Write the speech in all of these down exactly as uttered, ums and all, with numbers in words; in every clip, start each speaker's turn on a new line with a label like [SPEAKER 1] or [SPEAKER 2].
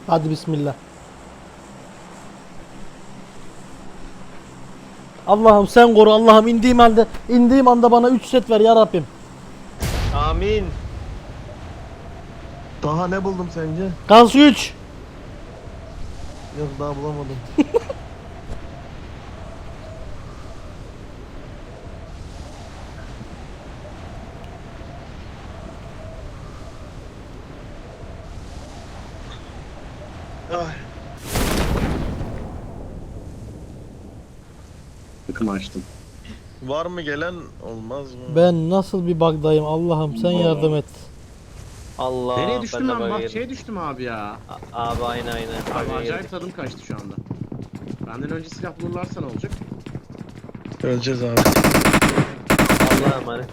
[SPEAKER 1] Hadi bismillah. Allah'ım sen koru, Allah'ım indiğim halde indiğim anda bana üç set ver ya Rabbim.
[SPEAKER 2] Amin.
[SPEAKER 3] Daha ne buldum sence?
[SPEAKER 1] Gaz üç.
[SPEAKER 3] Yok daha bulamadım. Ay.
[SPEAKER 4] Takım açtım.
[SPEAKER 3] Var mı gelen olmaz mı?
[SPEAKER 1] Ben nasıl bir bug'dayım Allah'ım sen yardım et.
[SPEAKER 2] Allah.
[SPEAKER 4] Nereye düştüm
[SPEAKER 2] ben de
[SPEAKER 4] ben?
[SPEAKER 2] bakayım.
[SPEAKER 4] Bahçeye düştüm abi ya.
[SPEAKER 2] A- Abi aynen aynen.
[SPEAKER 4] Abi
[SPEAKER 2] Bug'a
[SPEAKER 4] acayip
[SPEAKER 2] girdik.
[SPEAKER 4] tadım kaçtı şu anda. Benden önce silah bulurlarsa ne olacak?
[SPEAKER 3] Öleceğiz abi.
[SPEAKER 2] Allah'a emanet.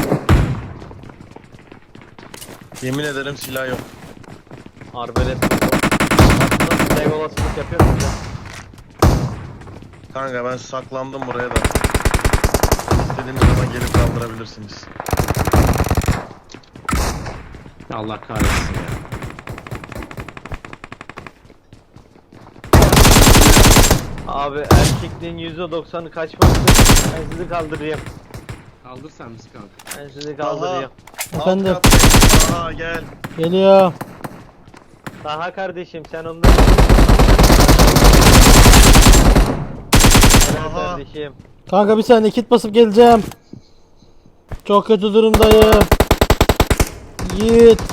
[SPEAKER 3] Yemin ederim silah yok.
[SPEAKER 2] Arbelet. Nasıl tek olasılık yapıyor musun ya?
[SPEAKER 3] Kanka ben saklandım buraya da. İstediğiniz zaman gelip kaldırabilirsiniz.
[SPEAKER 4] Ya Allah kahretsin ya.
[SPEAKER 2] Abi erkekliğin yüzde doksanı kaçması. Ben sizi kaldırayım.
[SPEAKER 4] Kaldır sen bizi kanka.
[SPEAKER 2] Ben sizi kaldırayım.
[SPEAKER 1] Efendim?
[SPEAKER 3] Alt kattayım. Aha gel.
[SPEAKER 1] Geliyor.
[SPEAKER 2] Daha kardeşim sen ondan. Helal
[SPEAKER 3] Aha.
[SPEAKER 2] kardeşim.
[SPEAKER 1] Kanka bir saniye kit basıp geleceğim. Çok kötü durumdayım. Yiğit.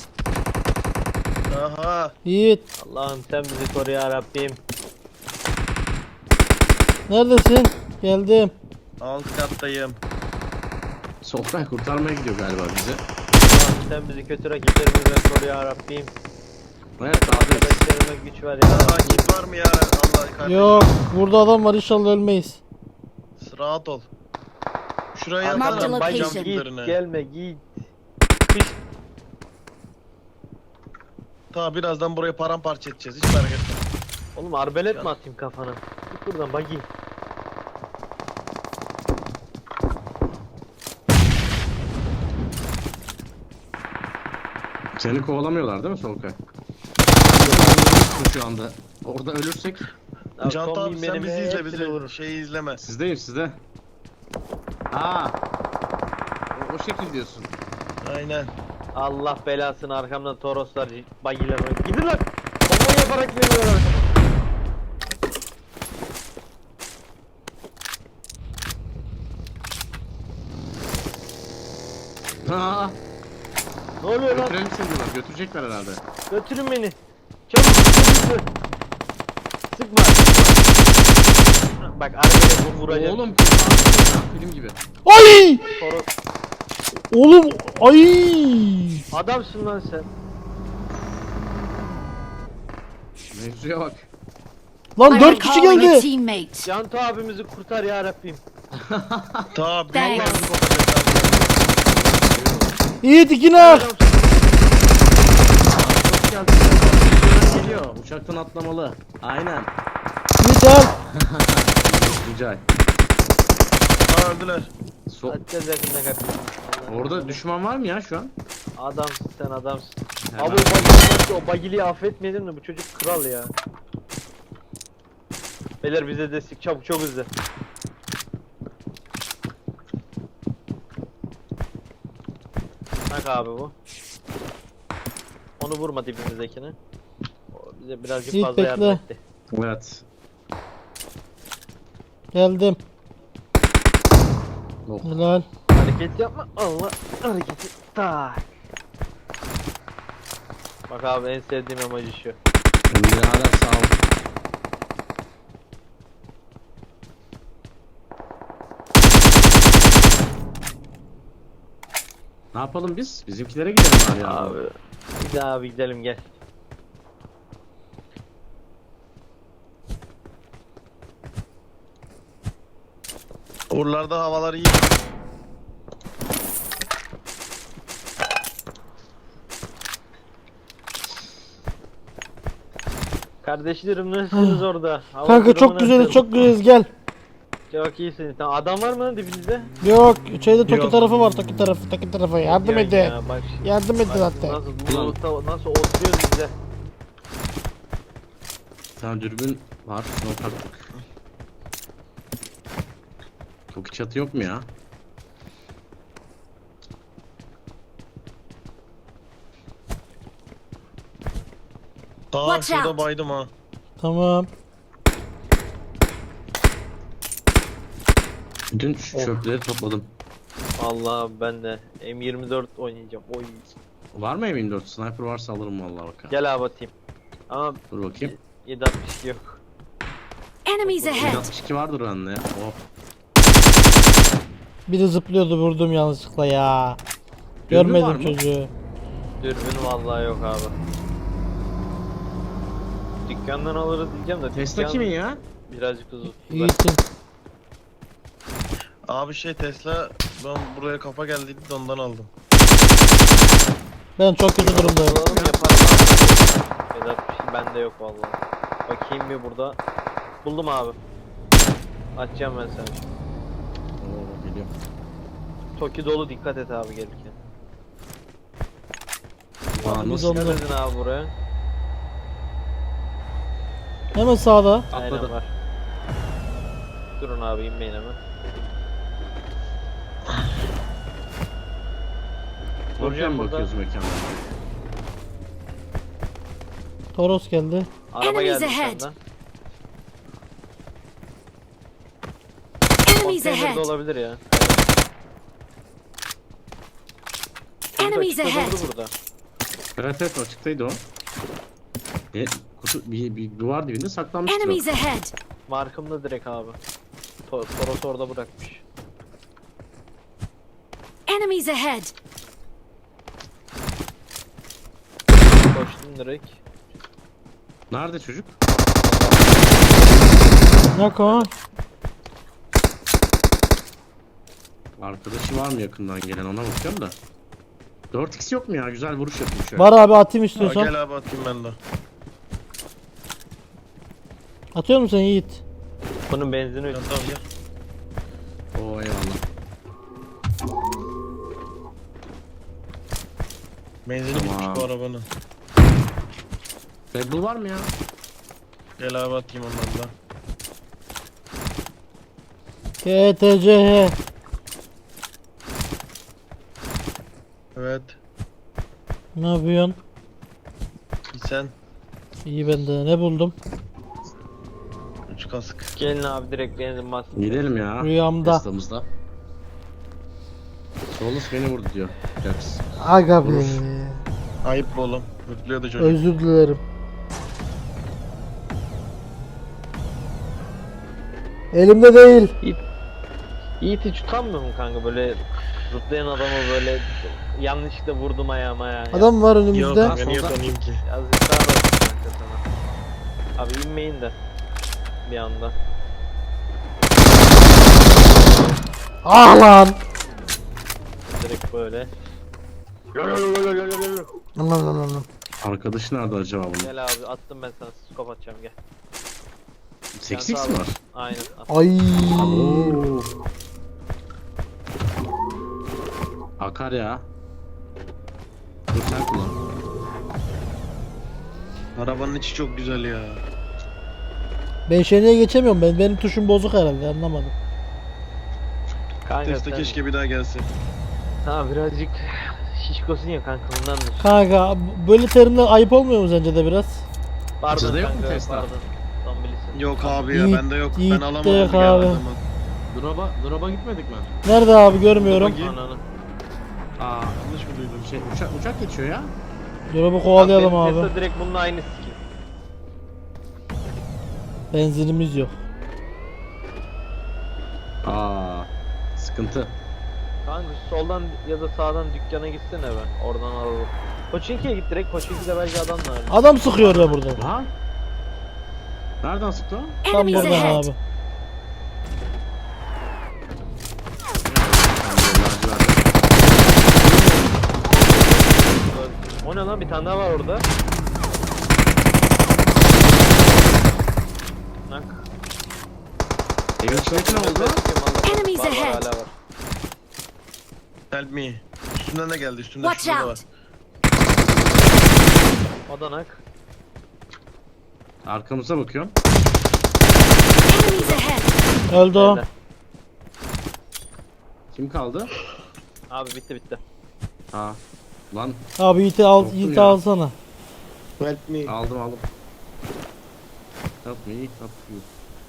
[SPEAKER 3] Aha.
[SPEAKER 1] Yiğit.
[SPEAKER 2] Allah'ım sen bizi koru ya Rabbim.
[SPEAKER 1] Neredesin? Geldim.
[SPEAKER 3] Alt kattayım.
[SPEAKER 4] Solkay kurtarmaya gidiyor galiba bizi.
[SPEAKER 2] Allah'ım sen bizi kötü rakiplerimizden koru ya Rabbim.
[SPEAKER 4] Evet abi.
[SPEAKER 2] Arkadaşlarıma güç ver ya
[SPEAKER 3] Aha
[SPEAKER 2] Rabbim.
[SPEAKER 3] git var mı ya? Allah kardeşim.
[SPEAKER 1] Yok. Burada adam var inşallah ölmeyiz.
[SPEAKER 3] Rahat ol. Şuraya
[SPEAKER 5] Marked
[SPEAKER 3] atalım
[SPEAKER 5] location.
[SPEAKER 3] cam
[SPEAKER 2] Git
[SPEAKER 3] tiplerine.
[SPEAKER 2] gelme git.
[SPEAKER 3] Ta birazdan burayı paramparça edeceğiz. Hiç merak etme.
[SPEAKER 2] Oğlum arbelet mi atayım kafana? Git buradan bagi.
[SPEAKER 4] Seni kovalamıyorlar değil mi Solkay? Şu anda. Orada ölürsek
[SPEAKER 2] Ya
[SPEAKER 3] Can
[SPEAKER 2] kombi
[SPEAKER 3] abi sen
[SPEAKER 2] benim
[SPEAKER 3] bizi izle
[SPEAKER 2] hepsini
[SPEAKER 3] bizi.
[SPEAKER 2] vurur.
[SPEAKER 3] Şeyi izleme.
[SPEAKER 4] sizdeyim sizde. Aa. O, o şekil diyorsun.
[SPEAKER 3] Aynen.
[SPEAKER 2] Allah belasını arkamdan Toroslar bagiler var. Gidin lan. Bomba yaparak geliyorlar.
[SPEAKER 4] Aa.
[SPEAKER 2] Ne oluyor lan?
[SPEAKER 4] Götürelim seni diyorlar. Götürecekler herhalde.
[SPEAKER 2] Götürün beni. Çabuk sıkma. Sıkma. Bak arbelet bunu vuracak.
[SPEAKER 4] Oğlum kurtardın ya, film gibi.
[SPEAKER 1] Ay!
[SPEAKER 2] Toros.
[SPEAKER 1] Oğlum ay!
[SPEAKER 2] Adamsın lan sen.
[SPEAKER 4] Mevzuya bak.
[SPEAKER 1] Lan
[SPEAKER 5] I
[SPEAKER 1] dört
[SPEAKER 5] am
[SPEAKER 1] kişi
[SPEAKER 5] calling a
[SPEAKER 1] geldi.
[SPEAKER 5] teammate.
[SPEAKER 2] Canto abimizi kurtar ya Rabbim.
[SPEAKER 3] Ta büyük
[SPEAKER 5] Thanks.
[SPEAKER 3] lazım kopacak abi.
[SPEAKER 1] Yiğit iki nak.
[SPEAKER 2] Adamsın.
[SPEAKER 4] Hoş geldin. Uçaktan geliyor. Uçaktan atlamalı. Aynen.
[SPEAKER 1] Yiğit al.
[SPEAKER 4] Rica et.
[SPEAKER 3] Ha öldüler.
[SPEAKER 4] So
[SPEAKER 2] Atacağız yakında kardeşim. Allah
[SPEAKER 4] Orada
[SPEAKER 2] Allah.
[SPEAKER 4] düşman var mı ya şu an?
[SPEAKER 2] Adamsın sen adamsın.
[SPEAKER 4] Hemen.
[SPEAKER 2] Abi o bagili, o bagiliyi affetmeyelim de bu çocuk kral ya. Beyler bize destek çabuk çok hızlı. Bak abi bu. Onu vurma dibimizdekini. O bize birazcık
[SPEAKER 1] Yiğit,
[SPEAKER 2] fazla yardım
[SPEAKER 1] bekle.
[SPEAKER 2] etti.
[SPEAKER 4] Evet.
[SPEAKER 1] Geldim.
[SPEAKER 4] Oh.
[SPEAKER 1] Helal.
[SPEAKER 2] Hareket yapma. Allah hareketi. Tak. Bak abi en sevdiğim emoji şu.
[SPEAKER 4] Birader sağ ol. Ne yapalım biz? Bizimkilere gidelim bari ya.
[SPEAKER 2] Abi. Bir daha abi gidelim gel.
[SPEAKER 3] Oralarda havalar iyi.
[SPEAKER 2] Kardeşlerim nasılsınız orada? Hava
[SPEAKER 1] Kanka
[SPEAKER 2] durumu
[SPEAKER 1] çok güzeliz
[SPEAKER 2] nasıl?
[SPEAKER 1] çok güzeliz gel.
[SPEAKER 2] Çok iyisiniz. Tamam, adam var mı lan dibinizde?
[SPEAKER 1] Yok şeyde Toki
[SPEAKER 3] Yok.
[SPEAKER 1] tarafı var Toki tarafı Toki tarafı yardım
[SPEAKER 2] Yok
[SPEAKER 1] edin.
[SPEAKER 2] ya, bak şimdi.
[SPEAKER 1] Yardım edin
[SPEAKER 2] Bak
[SPEAKER 1] hatta.
[SPEAKER 2] Nasıl, bu, nasıl oturuyoruz biz de.
[SPEAKER 4] Bir tane dürbün var. Şuna taktık. Çok çatı yok mu ya?
[SPEAKER 3] Aa
[SPEAKER 5] Watch
[SPEAKER 3] şurada
[SPEAKER 5] out.
[SPEAKER 3] baydım ha.
[SPEAKER 1] Tamam.
[SPEAKER 4] Bütün şu çöpleri topladım.
[SPEAKER 2] Allah ben de M yirmi dört oynayacağım. Oy.
[SPEAKER 4] Var mı M yirmi dört? Sniper varsa alırım vallahi bak.
[SPEAKER 2] Gel abi atayım. Ama
[SPEAKER 4] Dur bakayım.
[SPEAKER 2] yedi altmış iki yok.
[SPEAKER 5] Enemies ahead!
[SPEAKER 4] altmış iki vardır bende ya. Oh.
[SPEAKER 1] Biri zıplıyordu, vurdum yanlışlıkla ya.
[SPEAKER 4] Dürbün var
[SPEAKER 1] Görmedim
[SPEAKER 4] mı?
[SPEAKER 1] çocuğu.
[SPEAKER 2] Dürbün vallahi yok abi. Dükkandan alırız diyeceğim de
[SPEAKER 4] Tesla
[SPEAKER 2] dükkan
[SPEAKER 4] kimin ya?
[SPEAKER 2] birazcık uzun.
[SPEAKER 1] Yiğit'in.
[SPEAKER 3] Abi şey Tesla ben buraya kafa geldiydi de ondan aldım.
[SPEAKER 1] Ben çok kötü durumdayım.
[SPEAKER 2] Alalım yaparım abi. yedi altmış iki bende yok vallahi. Bakayım bir burada. Buldum abi. Açacağım ben sana.
[SPEAKER 4] Oo geliyor.
[SPEAKER 2] Toki dolu, dikkat et abi gelirken.
[SPEAKER 4] Aa,
[SPEAKER 1] Biz
[SPEAKER 4] nasıl?
[SPEAKER 1] onu-
[SPEAKER 2] Dikkat edin abi buraya.
[SPEAKER 1] Hemen sağda.
[SPEAKER 2] Aynen
[SPEAKER 4] Atladı.
[SPEAKER 2] var. Durun abi inmeyin hemen.
[SPEAKER 4] Oraya
[SPEAKER 2] Vuracağım
[SPEAKER 4] mı
[SPEAKER 2] burada.
[SPEAKER 4] bakıyoruz mekana?
[SPEAKER 1] Toros geldi.
[SPEAKER 2] Araba
[SPEAKER 5] Enemies
[SPEAKER 2] geldi
[SPEAKER 5] ahead.
[SPEAKER 2] senden.
[SPEAKER 5] Enemies
[SPEAKER 2] Konteynerde
[SPEAKER 5] ahead!
[SPEAKER 2] olabilir ya.
[SPEAKER 5] Enemies
[SPEAKER 2] Açıkta
[SPEAKER 5] ahead!
[SPEAKER 2] durdu burada.
[SPEAKER 4] Evet evet açıktaydı o. E, kutu, bir, bir duvar dibinde saklanmıştı.
[SPEAKER 5] Enemies ahead!
[SPEAKER 2] Markımda direkt abi. To Toros orada bırakmış.
[SPEAKER 5] Enemies ahead!
[SPEAKER 2] Koştum direkt.
[SPEAKER 4] Nerede çocuk?
[SPEAKER 1] Yok o.
[SPEAKER 4] Arkadaşı var mı yakından gelen ona bakıyorum da. dört x yok mu ya? Güzel vuruş yapayım şöyle.
[SPEAKER 1] Var abi, atayım
[SPEAKER 3] Ha,
[SPEAKER 1] istiyorsan.
[SPEAKER 3] gel abi atayım ben de.
[SPEAKER 1] Atıyor musun Yiğit?
[SPEAKER 2] Bunun benzini
[SPEAKER 3] Gel
[SPEAKER 2] ödüm.
[SPEAKER 3] tamam gel.
[SPEAKER 4] Oo eyvallah.
[SPEAKER 3] Benzini
[SPEAKER 4] Tamam.
[SPEAKER 3] bitmiş bu arabanın.
[SPEAKER 4] Red Bull var mı ya?
[SPEAKER 3] Gel abi atayım ondan da.
[SPEAKER 1] K T C H.
[SPEAKER 3] Evet.
[SPEAKER 1] Ne yapıyorsun?
[SPEAKER 3] Sen
[SPEAKER 1] İyi ben de. Ne buldum?
[SPEAKER 3] üç kask.
[SPEAKER 2] Gelin abi direkt benzin bas.
[SPEAKER 4] Gidelim ya.
[SPEAKER 1] Rüyamda.
[SPEAKER 4] Tesla'mızda. Solus beni vurdu diyor. Jax.
[SPEAKER 1] Aga be.
[SPEAKER 4] Vurur.
[SPEAKER 3] Ayıp bu oğlum. Mutluyordu çocuk.
[SPEAKER 1] Özür dilerim. Elimde değil.
[SPEAKER 2] Yiğit hiç utanmıyor mu kanka böyle zıplayan adamı böyle yanlışlıkla vurdum ayağıma ya.
[SPEAKER 1] Adam var
[SPEAKER 3] Yok
[SPEAKER 1] önümüzde.
[SPEAKER 3] kanka niye tanıyayım ki?
[SPEAKER 2] Yazıklar olsun kanka sana. Abi inmeyin de bir anda.
[SPEAKER 1] Ah lan.
[SPEAKER 2] Direkt böyle.
[SPEAKER 1] Lan lan lan lan.
[SPEAKER 4] Arkadaşı nerede acaba bunun?
[SPEAKER 2] Gel abi attım ben sana skop atacağım gel.
[SPEAKER 4] sekiz x
[SPEAKER 2] Sen
[SPEAKER 4] mi
[SPEAKER 2] sağ ol.
[SPEAKER 4] var?
[SPEAKER 2] Aynen. At.
[SPEAKER 1] Ay.
[SPEAKER 4] Oo. Akar ya. Dur sen kullan.
[SPEAKER 3] Arabanın içi çok güzel ya.
[SPEAKER 1] Ben şenliğe geçemiyorum ben. Benim tuşum bozuk herhalde, anlamadım.
[SPEAKER 2] Kanka
[SPEAKER 3] Tesla
[SPEAKER 2] sen,
[SPEAKER 3] keşke bir daha gelse.
[SPEAKER 2] ha birazcık şişkosun ya kanka bundandır.
[SPEAKER 1] Kanka böyle terimler ayıp olmuyor mu sence de biraz?
[SPEAKER 2] Pardon
[SPEAKER 4] Bizde yok mu
[SPEAKER 2] kanka
[SPEAKER 4] Tesla?
[SPEAKER 2] pardon. Tam bilirsin.
[SPEAKER 3] Yok abi ya
[SPEAKER 1] Yiğit-
[SPEAKER 3] bende yok.
[SPEAKER 1] Yiğit
[SPEAKER 3] Ben
[SPEAKER 1] de
[SPEAKER 3] alamadım
[SPEAKER 1] yok
[SPEAKER 3] ya
[SPEAKER 1] abi.
[SPEAKER 3] adamı.
[SPEAKER 4] Drop'a, drop'a gitmedik mi?
[SPEAKER 1] Nerede abi, görmüyorum.
[SPEAKER 3] Bakayım.
[SPEAKER 2] Ananı.
[SPEAKER 4] Aa,
[SPEAKER 3] Yanlış mı duydum?
[SPEAKER 4] şey uçak, uçak geçiyor ya.
[SPEAKER 1] Drop'u kovalayalım
[SPEAKER 2] Benim
[SPEAKER 1] abi.
[SPEAKER 2] Tesla direkt bunun aynı skin.
[SPEAKER 1] Benzinimiz yok.
[SPEAKER 4] Aa, sıkıntı.
[SPEAKER 2] Kanka soldan ya da sağdan dükkana gitsene be. Oradan alalım. Koçinki'ye git direkt. Koçinki'de belki adam var.
[SPEAKER 1] Adam sıkıyor ya burada.
[SPEAKER 4] Ha? Nereden sıktı o?
[SPEAKER 1] Tam
[SPEAKER 5] Enemies
[SPEAKER 1] buradan
[SPEAKER 5] ahead!
[SPEAKER 1] abi.
[SPEAKER 2] O ne lan, bir tane daha var orada. Nak.
[SPEAKER 4] Evin içindeki ne oldu?
[SPEAKER 5] Enemies
[SPEAKER 2] Var, var,
[SPEAKER 5] ahead.
[SPEAKER 2] hala var.
[SPEAKER 3] Help me. Üstünden de geldi. Üstünde
[SPEAKER 5] Watch
[SPEAKER 3] şurada da var.
[SPEAKER 5] out!
[SPEAKER 2] O da nak.
[SPEAKER 4] Arkamıza bakıyorum.
[SPEAKER 5] Enemies ahead!
[SPEAKER 1] Öldü o.
[SPEAKER 2] Beyler.
[SPEAKER 4] Kim kaldı?
[SPEAKER 2] Abi bitti bitti.
[SPEAKER 4] Ha. Lan
[SPEAKER 1] Abi Yiğit'i al,
[SPEAKER 4] Korktum
[SPEAKER 1] Yiğit'i
[SPEAKER 4] ya.
[SPEAKER 1] alsana.
[SPEAKER 3] Help me.
[SPEAKER 4] aldım aldım. Help me, help you.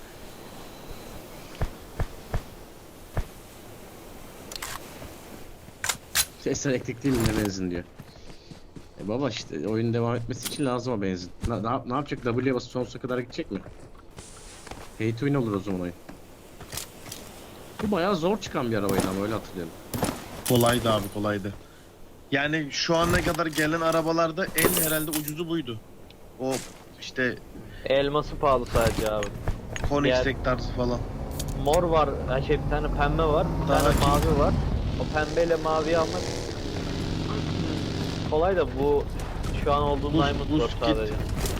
[SPEAKER 4] Ses elektrik değil mi ne benzin diyor. E baba işte oyun devam etmesi için lazım o benzin. Ne, ne, yap- ne yapacak? W'ye basıp sonsuza kadar gidecek mi? Pay to win olur o zaman oyun. Bu bayağı zor çıkan bir arabaydı ama öyle hatırlıyorum.
[SPEAKER 3] Kolaydı abi kolaydı. Yani şu ana kadar gelen arabalarda en herhalde ucuzu buydu. O işte
[SPEAKER 2] Elması pahalı sadece abi.
[SPEAKER 3] Koenigsegg tarzı falan.
[SPEAKER 2] Mor var, ha şey bir tane pembe var, bir
[SPEAKER 3] Daha
[SPEAKER 2] tane
[SPEAKER 3] kim?
[SPEAKER 2] mavi var. O pembeyle maviyi almak kolay da bu şu an olduğum
[SPEAKER 3] Buz-
[SPEAKER 2] Diamond
[SPEAKER 3] buz
[SPEAKER 2] var
[SPEAKER 3] kit.
[SPEAKER 2] sadece.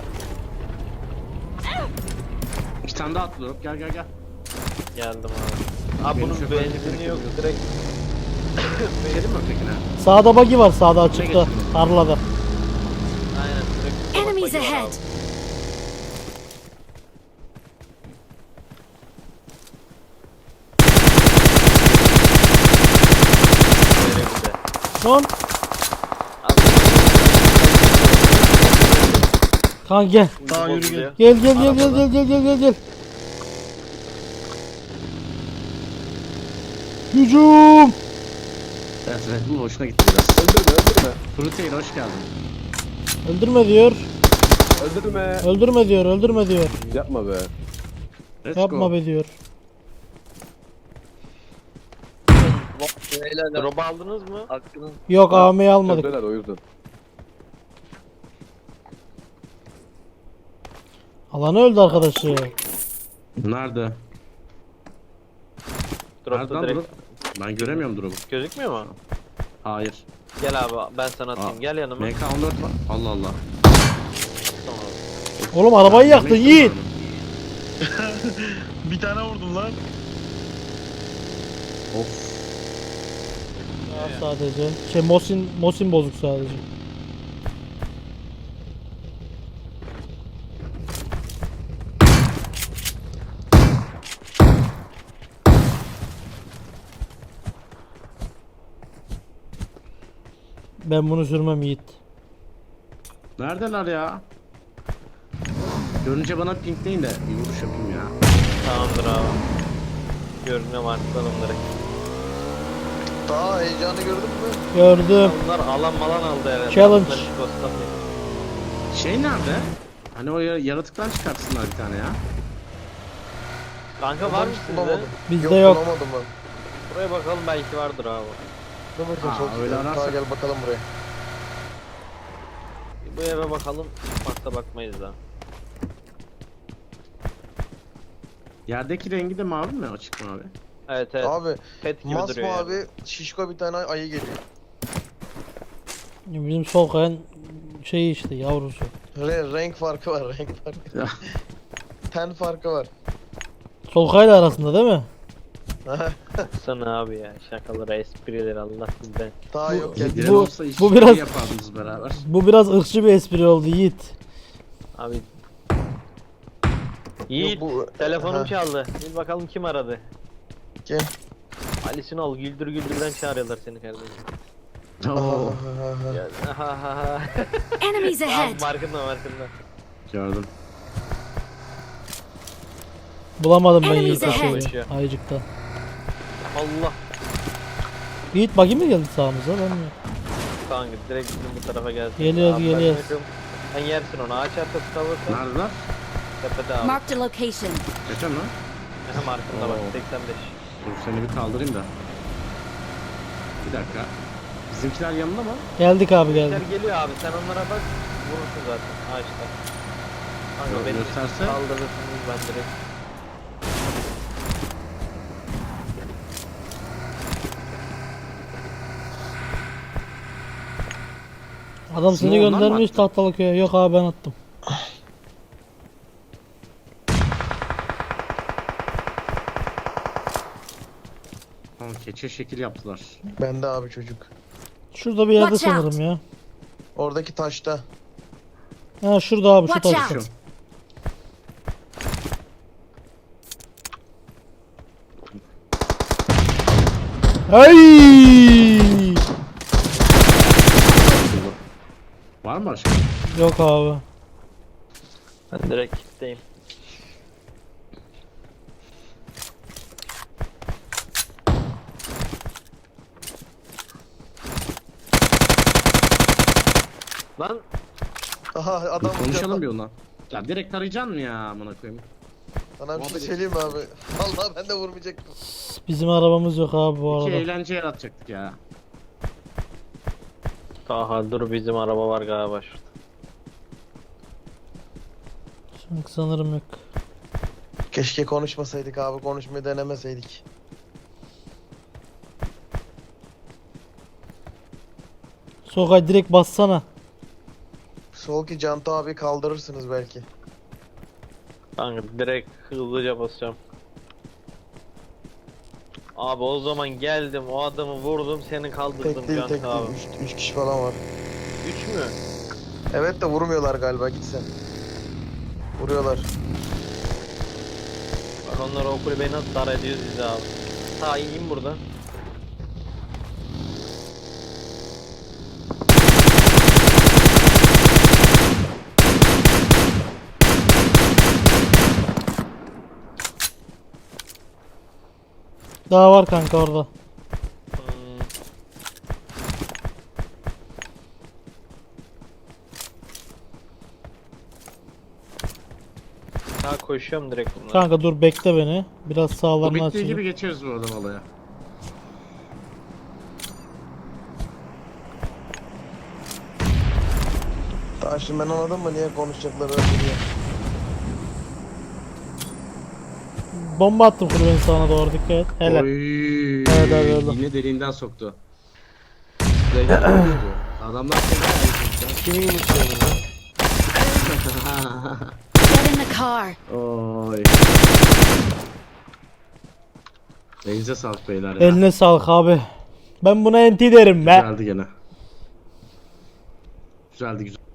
[SPEAKER 4] İki tane daha atlıyorum. Gel gel gel.
[SPEAKER 2] Geldim abi. Abi
[SPEAKER 4] Benim
[SPEAKER 2] bunun
[SPEAKER 4] şoförlük
[SPEAKER 2] benzini yok
[SPEAKER 4] gerekiyor.
[SPEAKER 2] direkt.
[SPEAKER 4] Gidelim mi ötekine?
[SPEAKER 1] Sağda buggy var sağda açıkta.
[SPEAKER 4] geçelim.
[SPEAKER 1] Tarlada.
[SPEAKER 2] Aynen direkt. kusura
[SPEAKER 5] Enemies
[SPEAKER 2] bakma
[SPEAKER 5] ahead!
[SPEAKER 2] abi. Böyle bir de.
[SPEAKER 1] Son.
[SPEAKER 2] Abi,
[SPEAKER 1] Kanka gel.
[SPEAKER 2] ucu
[SPEAKER 3] Daha yürü
[SPEAKER 2] bozuluyor.
[SPEAKER 1] Gel gel gel gel
[SPEAKER 2] Arabada.
[SPEAKER 1] gel gel gel gel gel. Hücum.
[SPEAKER 4] Evet evet bu hoşuna gitti biraz.
[SPEAKER 6] Öldürme öldürme.
[SPEAKER 4] Fruteil hoş geldin.
[SPEAKER 1] Öldürme diyor.
[SPEAKER 6] Öldürme.
[SPEAKER 1] Öldürme diyor. Öldürme diyor.
[SPEAKER 6] Yapma be.
[SPEAKER 4] Let's
[SPEAKER 1] Yapma
[SPEAKER 4] go.
[SPEAKER 1] be diyor.
[SPEAKER 2] Drop'u aldınız mı? Hakkını.
[SPEAKER 1] Yok A V'yi almadık.
[SPEAKER 6] Çöpteler o yüzden.
[SPEAKER 1] Alanı öldü arkadaşı.
[SPEAKER 4] Nerede?
[SPEAKER 2] Drop'ta
[SPEAKER 4] Nereden
[SPEAKER 2] direkt.
[SPEAKER 4] drop? Ben göremiyorum drop'u.
[SPEAKER 2] Gözükmüyor mu?
[SPEAKER 4] Hayır.
[SPEAKER 2] Gel abi ben sana atayım.
[SPEAKER 4] Aa,
[SPEAKER 2] Gel yanıma.
[SPEAKER 4] M K on dört var. Allah Allah.
[SPEAKER 2] Tamam.
[SPEAKER 1] Oğlum arabayı yaktın
[SPEAKER 4] Yemek
[SPEAKER 1] Yiğit.
[SPEAKER 4] yiyorum.
[SPEAKER 3] Bir tane vurdum lan.
[SPEAKER 4] Of.
[SPEAKER 1] Ya sadece. Şey Mosin Mosin bozuk sadece. Ben bunu sürmem Yiğit.
[SPEAKER 4] Neredeler ya? Görünce bana pinkleyin de bir vuruş yapayım ya.
[SPEAKER 2] Tamamdır abi. Görünüyor artık onları.
[SPEAKER 3] Daha heyecanı gördün mü?
[SPEAKER 1] Gördüm.
[SPEAKER 2] Onlar alan malan aldı herhalde.
[SPEAKER 1] Challenge.
[SPEAKER 2] Bunlar hiç göstermiyor.
[SPEAKER 4] Şey nerede? Hani o ya- yaratıktan çıkartsınlar bir tane ya.
[SPEAKER 2] Kanka var mı sizde?
[SPEAKER 1] Bizde yok.
[SPEAKER 7] Bulamadım ben.
[SPEAKER 2] Buraya bakalım belki vardır abi.
[SPEAKER 7] Dur bakayım
[SPEAKER 4] Aa,
[SPEAKER 7] sol
[SPEAKER 4] öyle
[SPEAKER 7] üstte.
[SPEAKER 4] ararsak-
[SPEAKER 7] Daha gel bakalım buraya.
[SPEAKER 2] Bu eve bakalım. Çıkmazsa bakmayız da.
[SPEAKER 4] Yerdeki rengi de mavi mi? Açık mavi.
[SPEAKER 2] Evet evet.
[SPEAKER 7] Abi
[SPEAKER 2] Pet gibi duruyor yani.
[SPEAKER 7] masmavi şişko bir tane ayı geliyor.
[SPEAKER 1] Bizim sol kayan şey işte yavrusu.
[SPEAKER 7] Re renk farkı var renk farkı. Ten farkı var.
[SPEAKER 1] Sol kayla arasında değil mi?
[SPEAKER 2] Sana abi ya. Şakaları, esprileri Allah sizden.
[SPEAKER 7] Daha yok gel.
[SPEAKER 4] Diren
[SPEAKER 1] Bu-
[SPEAKER 4] olsa iş
[SPEAKER 1] bu
[SPEAKER 4] bu
[SPEAKER 1] biraz-
[SPEAKER 4] yapardınız beraber.
[SPEAKER 1] Bu biraz ırkçı bir espri oldu Yiğit.
[SPEAKER 2] Abi. Yiğit.
[SPEAKER 7] Yok, bu-
[SPEAKER 2] Telefonum
[SPEAKER 7] Ha.
[SPEAKER 2] çaldı. Bir bakalım kim aradı.
[SPEAKER 7] Kim?
[SPEAKER 2] Ali Sunal güldür güldürden çağırıyorlar seni kardeşim.
[SPEAKER 4] Oo,
[SPEAKER 2] Ya, ha ha ha.
[SPEAKER 5] Enemies
[SPEAKER 2] Abi
[SPEAKER 5] ahead!
[SPEAKER 2] markında markında.
[SPEAKER 4] gördüm.
[SPEAKER 1] Bulamadım ben
[SPEAKER 5] Enemies
[SPEAKER 1] Yiğit'i
[SPEAKER 5] ahead.
[SPEAKER 1] şeyi, ayıcıktan.
[SPEAKER 2] Allah.
[SPEAKER 1] Yiğit buggy mi geldi sağımıza ben mi?
[SPEAKER 2] Kanka direkt bizim bu tarafa gelsin.
[SPEAKER 1] Geliyoruz,
[SPEAKER 2] Abi ben
[SPEAKER 1] geliyoruz.
[SPEAKER 2] bakıyorum. Sen yersin onu. Ağaç arkası kalırsa
[SPEAKER 4] Neredeler?
[SPEAKER 2] tepede abi.
[SPEAKER 5] Marked a location.
[SPEAKER 4] Geçen lan.
[SPEAKER 2] Aha markında bak
[SPEAKER 4] Oo.
[SPEAKER 2] seksen beş.
[SPEAKER 4] Dur seni bir kaldırayım da. Bir dakika. Bizimkiler yanında mı?
[SPEAKER 1] Geldik abi geldik.
[SPEAKER 2] Bizler geliyor abi sen onlara bak. Vurursun zaten ağaçta. Kanka
[SPEAKER 4] Yok,
[SPEAKER 2] beni
[SPEAKER 4] gösterse.
[SPEAKER 2] kaldırırsınız ben direkt.
[SPEAKER 1] Adam seni
[SPEAKER 4] Smoke onlar mı
[SPEAKER 1] göndermiş
[SPEAKER 4] attı?
[SPEAKER 1] tahtalı köye. Yok abi ben attım.
[SPEAKER 4] Tamam keçe şekil yaptılar.
[SPEAKER 7] Bende abi çocuk.
[SPEAKER 1] Şurada bir yerde
[SPEAKER 5] Watch out.
[SPEAKER 1] sanırım ya.
[SPEAKER 7] Oradaki taşta.
[SPEAKER 1] Ha şurada abi şu
[SPEAKER 5] Watch
[SPEAKER 1] taşta.
[SPEAKER 5] out.
[SPEAKER 4] Şu.
[SPEAKER 1] Ay!
[SPEAKER 4] Var mı başka?
[SPEAKER 1] Yok abi.
[SPEAKER 2] Ben direkt kitleyim. Lan
[SPEAKER 7] Aha
[SPEAKER 4] Bir
[SPEAKER 7] adam
[SPEAKER 4] konuşalım bir ondan. Ya direkt arayacaksın mı ya amına koyayım?
[SPEAKER 7] Sana bir şey
[SPEAKER 4] Muhabbet
[SPEAKER 7] söyleyeyim mi abi? Vallahi ben de vurmayacaktım.
[SPEAKER 1] Bizim arabamız yok abi bu
[SPEAKER 4] İki
[SPEAKER 1] arada.
[SPEAKER 4] eğlence yaratacaktık ya.
[SPEAKER 2] Aha dur bizim araba var galiba şurada.
[SPEAKER 1] Şimdi sanırım yok.
[SPEAKER 7] Keşke konuşmasaydık abi, konuşmayı denemeseydik.
[SPEAKER 1] Sokay direkt bassana.
[SPEAKER 7] Sol ki Canta abi kaldırırsınız belki.
[SPEAKER 2] Kanka direkt hızlıca basacağım. Abi o zaman geldim o adamı vurdum seni kaldırdım
[SPEAKER 7] Tek değil
[SPEAKER 2] Can
[SPEAKER 7] tek
[SPEAKER 2] abi.
[SPEAKER 7] değil. Üç, üç kişi falan var.
[SPEAKER 2] Üç mü?
[SPEAKER 7] Evet de vurmuyorlar galiba, git sen. Vuruyorlar.
[SPEAKER 2] Bak onlar o kulübeyi nasıl dar ediyoruz biz abi. Ta iyiyim burada.
[SPEAKER 1] Daha var kanka orada.
[SPEAKER 2] Hmm. Ha koşuyorum direkt bunlara.
[SPEAKER 1] Kanka dur bekle beni. Biraz
[SPEAKER 4] Bu
[SPEAKER 1] sağlarını
[SPEAKER 4] bittiği
[SPEAKER 1] açayım.
[SPEAKER 4] gibi geçeriz bu adam olaya.
[SPEAKER 7] Daha şimdi ben anladım mı niye konuşacakları öyle diye.
[SPEAKER 1] Bomba attım kulübenin sağına doğru, dikkat et. Helal.
[SPEAKER 4] Oy.
[SPEAKER 1] Evet, evet, evet.
[SPEAKER 4] Yine deliğinden soktu. Direkt konuştu. Adamlar
[SPEAKER 2] Kimin geçiyorsunuz lan?
[SPEAKER 5] Get in the car.
[SPEAKER 4] Oy. Elinize sağlık beyler ya.
[SPEAKER 1] Eline sağlık abi. Ben buna enti derim be.
[SPEAKER 4] Güzeldi gene. Güzeldi güzel.